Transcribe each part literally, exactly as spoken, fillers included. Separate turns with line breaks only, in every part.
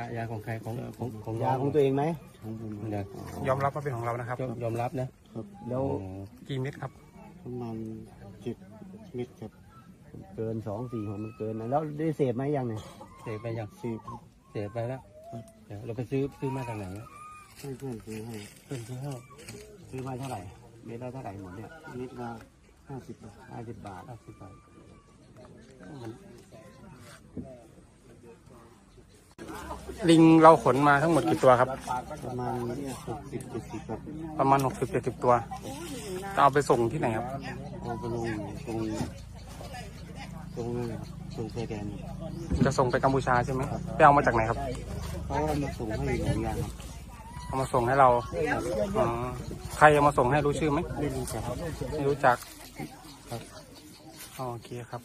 ยาของใครของของของ
ยาของตัวเองไหม
ของผมเดี๋ยวย
อมรับว่าเป็นของเรานะครับ
ยอมรับนะครับ
แล้ว
กี่เม็ดครับ
ประมาณเจ็ดเม็ดครับเกินสองสี่หัวมันเกินนะแล้วได้เสพไหมยังเนี่ย
เสพไปยัง
เสพ
เสพไปแล้วเดี๋ยวเราไปซื้อซื้อมาจากไหนอะ
ให้เพื่อนซื้อให้
เพื่อนซื้อให้
ซื้อมาเท่าไหร่เม็ดละเท่าไหร่หมดเนี่ยเม็ดละห้าสิบบาทห้าสิบบาท
ห้าสิบบาทมัน
ลิงเราขนมาทั้งหมดกี่ตัวครับ
ประมาณหกสิบเจ็ดสิบครับ
ประมาณหกสิบเจ็ดสิบตัวจะเอาไปส่งที่ไหนครับ
เอาไปลงตรงตรงนั้นครับตรงชายแดน
จะส่งไปกัมพูชาใช่ไหมไปเอามาจากไหนครับ
เขาเอามาส่งให้หลายอย่างครับ
เอามาส่งให้เราอ๋อใครเอามาส่งให้รู้ชื่อไหม
ไม่รู้จักครับ
ไม่รู้จักครับอ๋อโอเคครับ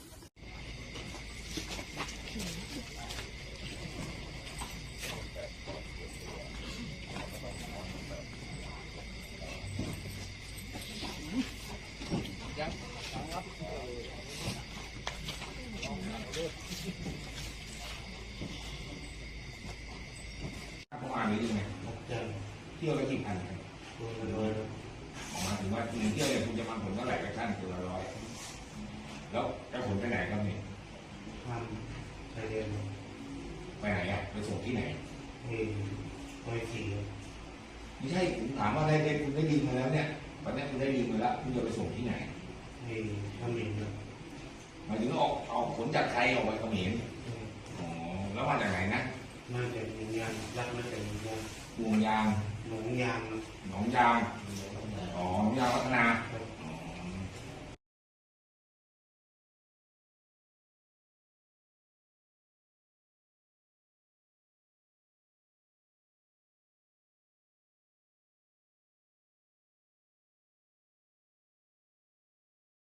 ประมาณนี้ยังไงเที่ยวละกี่พันครับหมายถึงว่าคุณเที่ยวเนี่ยคุณจะมาผลเท่าไหร่กับท่านตัวละร้อยแล้วจะผลไปไหนครับนี่
ทำชายแดน
ไปไหนอ่ะไปส่งที่ไหน
เฮ้ยไปขี่
ไม่ใช่ผมถามว่าได้ได้คุณได้ดีมาแล้วเนี่ยวันนี้คุณได้ดีมาแล้วคุณจะไปส่งที่ไหน
เฮ้ยทำเองนะ
หมายถึงออกออกผลจากไทยออกไปเขมรอ๋อแล้วมาจากไหนนะ
มาจากหนองยางรักมาจากหนองยาง
วงยาง
หนองยาง
หนองยางอ๋อหนองยางพัฒนา
พัฒ